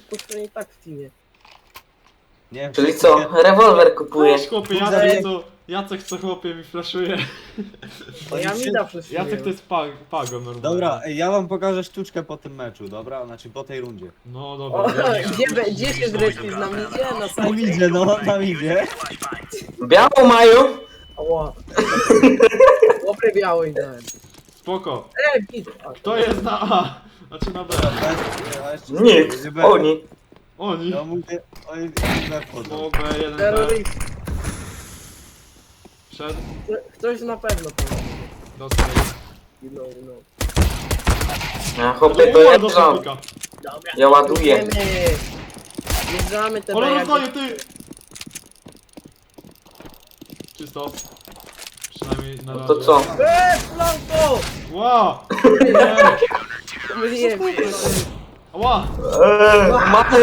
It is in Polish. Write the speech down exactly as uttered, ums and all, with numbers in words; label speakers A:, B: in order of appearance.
A: kosztuje i tak w teamie.
B: Nie wiem,
C: Czyli
B: czy
C: co?
B: kupię-
C: Rewolwer kupuje.
D: Weź chłopie, Jacek co, Jacek co chłopie mi flaszuje.
A: Bo ja mi da przez
D: Jacek to jest pag, pago normalnie.
B: Dobra, ej, ja wam pokażę sztuczkę po tym meczu, dobra? Znaczy po tej rundzie.
D: No
A: O,
D: dobra.
A: gdzie, be- gdzie się zrespić na midzie? Na
B: Tam
A: sajcie?
B: idzie, no, tam idzie.
C: Białą mają?
A: Ała. Dobry biały dałem.
D: Spoko.
A: E, git. A,
D: Kto jest na A? Znaczy na B.
B: A jeszcze
C: Nikt.
B: nie B.
C: Oni.
D: Oni.
B: Ja mówię, oni B wchodzą.
D: No B, jeden B.
A: Terroryst.
D: Przed.
A: Ktoś na pewno pomoże.
D: Dostał.
A: You know, you know.
C: A chłopie to ja
D: dostał
C: rząd.
D: pika.
A: Dobra.
C: Ja ładuję.
A: Idziemy. Wjeżdżamy te
D: Ale
A: B,
D: rozdaję
A: jak-
D: ty! Czysto. Przynajmniej na
C: No
D: razie.
C: to co?
A: Eee, flanko!
D: Ła!
A: Pomyliłem się.
D: Ła!
C: Eee, mamy